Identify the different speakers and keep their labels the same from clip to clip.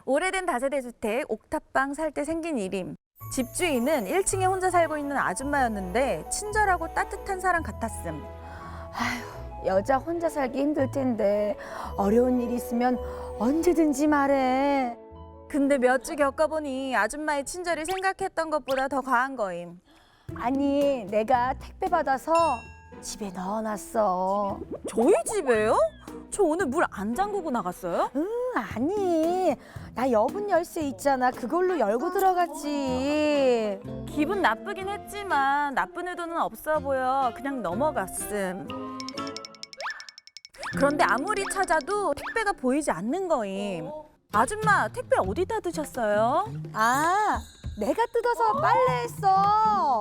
Speaker 1: 오래된 다세대 주택 옥탑방 살 때 생긴 일임. 집주인은 1층에 혼자 살고 있는 아줌마였는데 친절하고 따뜻한 사람 같았음.
Speaker 2: 여자 혼자 살기 힘들 텐데 어려운 일 있으면 언제든지 말해.
Speaker 1: 근데 몇 주 겪어보니 아줌마의 친절이 생각했던 것보다 더 과한 거임.
Speaker 2: 아니, 내가 택배 받아서 집에 넣어놨어.
Speaker 1: 저희 집에요? 저 오늘 물 안 잠그고 나갔어요?
Speaker 2: 아니, 나 여분 열쇠 있잖아. 그걸로 열고 들어갔지.
Speaker 1: 기분 나쁘긴 했지만 나쁜 의도는 없어 보여 그냥 넘어갔음. 그런데 아무리 찾아도 택배가 보이지 않는 거임. 아줌마, 택배 어디다 두셨어요?
Speaker 2: 아, 내가 뜯어서 빨래했어.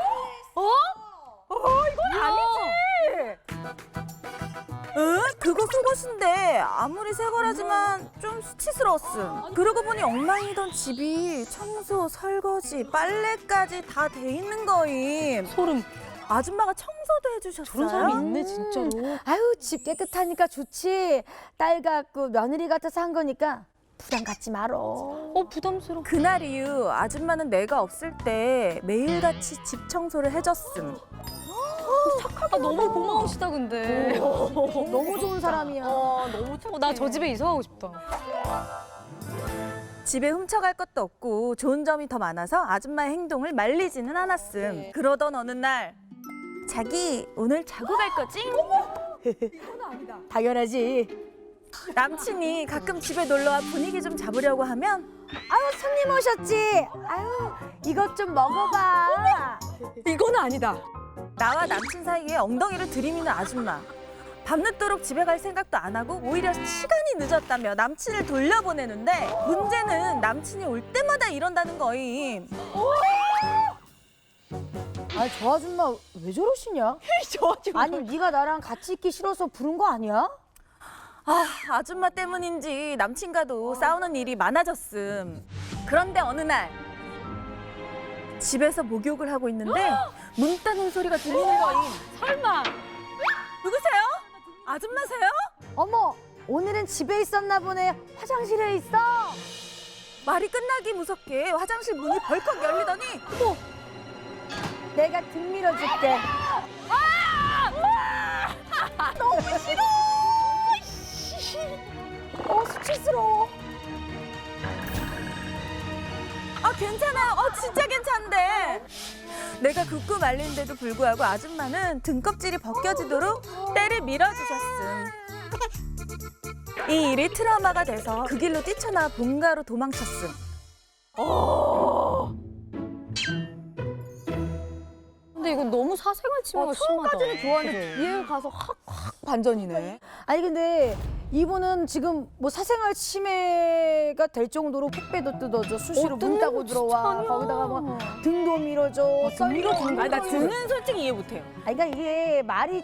Speaker 1: 이건 아니지! 응? 그거 속옷인데 아무리 새 거라지만 좀 수치스러웠음. 그러고 보니 엉망이던 집이 청소, 설거지, 빨래까지 다 돼 있는 거임.
Speaker 3: 소름.
Speaker 1: 아줌마가 청소도 해주셨어요?
Speaker 3: 그런 사람이 있네 진짜로.
Speaker 2: 아유, 집 깨끗하니까 좋지. 딸 같고 며느리 같아서 한 거니까 부담 갖지 말어.
Speaker 3: 부담스러워.
Speaker 1: 그날 이후 아줌마는 내가 없을 때 매일같이 집 청소를 해줬음.
Speaker 3: 너무 고마우시다 근데.
Speaker 2: 너무 좋은 사람이야.
Speaker 3: 너무 착해. 나 저 집에 이사 가고 싶다.
Speaker 1: 집에 훔쳐갈 것도 없고 좋은 점이 더 많아서 아줌마의 행동을 말리지는 않았음. 그러던 어느 날 자기 오늘 자고 갈 거지?
Speaker 2: 당연하지.
Speaker 1: 남친이 가끔 집에 놀러와 분위기 좀 잡으려고 하면
Speaker 2: 아유, 손님 오셨지? 아유, 이것 좀 먹어봐.
Speaker 3: 이거는 아니다.
Speaker 1: 나와 남친 사이에 엉덩이를 들이미는 아줌마. 밤늦도록 집에 갈 생각도 안 하고 오히려 시간이 늦었다며 남친을 돌려보내는데 문제는 남친이 올 때마다 이런다는 거임.
Speaker 2: 아, 저 아줌마 왜 저러시냐?
Speaker 3: 저 아줌마.
Speaker 2: 아니, 네가 나랑 같이 있기 싫어서 부른 거 아니야?
Speaker 1: 아줌마 때문인지 남친과도 싸우는 일이 많아졌음. 그런데 어느 날 집에서 목욕을 하고 있는데 문 따는 소리가 들리는 거임.
Speaker 3: 설마.
Speaker 1: 누구세요? 아줌마세요?
Speaker 2: 어머, 오늘은 집에 있었나 보네. 화장실에 있어.
Speaker 1: 말이 끝나기 무섭게 화장실 문이 벌컥 열리더니
Speaker 2: 내가 등 밀어줄게. 너무 싫어. 수치스러워.
Speaker 1: 괜찮아요. 진짜 괜찮은데. 내가 굽고 말리는데도 불구하고 아줌마는 등껍질이 벗겨지도록 때를 밀어주셨음. 이 일이 트라우마가 돼서 그 길로 뛰쳐나와 본가로 도망쳤음.
Speaker 3: 근데 이건 너무 사생활 침해가 심하다.
Speaker 2: 처음까지는 좋아하는데 뒤에 가서 확 반전이네. 아니, 근데 이분은 지금 뭐 사생활 침해가 될 정도로 택배도 뜯어줘, 수시로 문 따고 들어와, 거기다가 뭐 등도 밀어줘, 밀어주는 거.
Speaker 1: 나 등은 솔직히 이해 못해요.
Speaker 2: 그러니까 이게 말이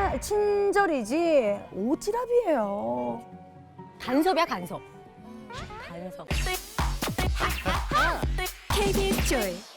Speaker 2: 친절이지 오지랖이에요.
Speaker 3: 간섭이야 간섭. 간섭.
Speaker 1: KBS 조이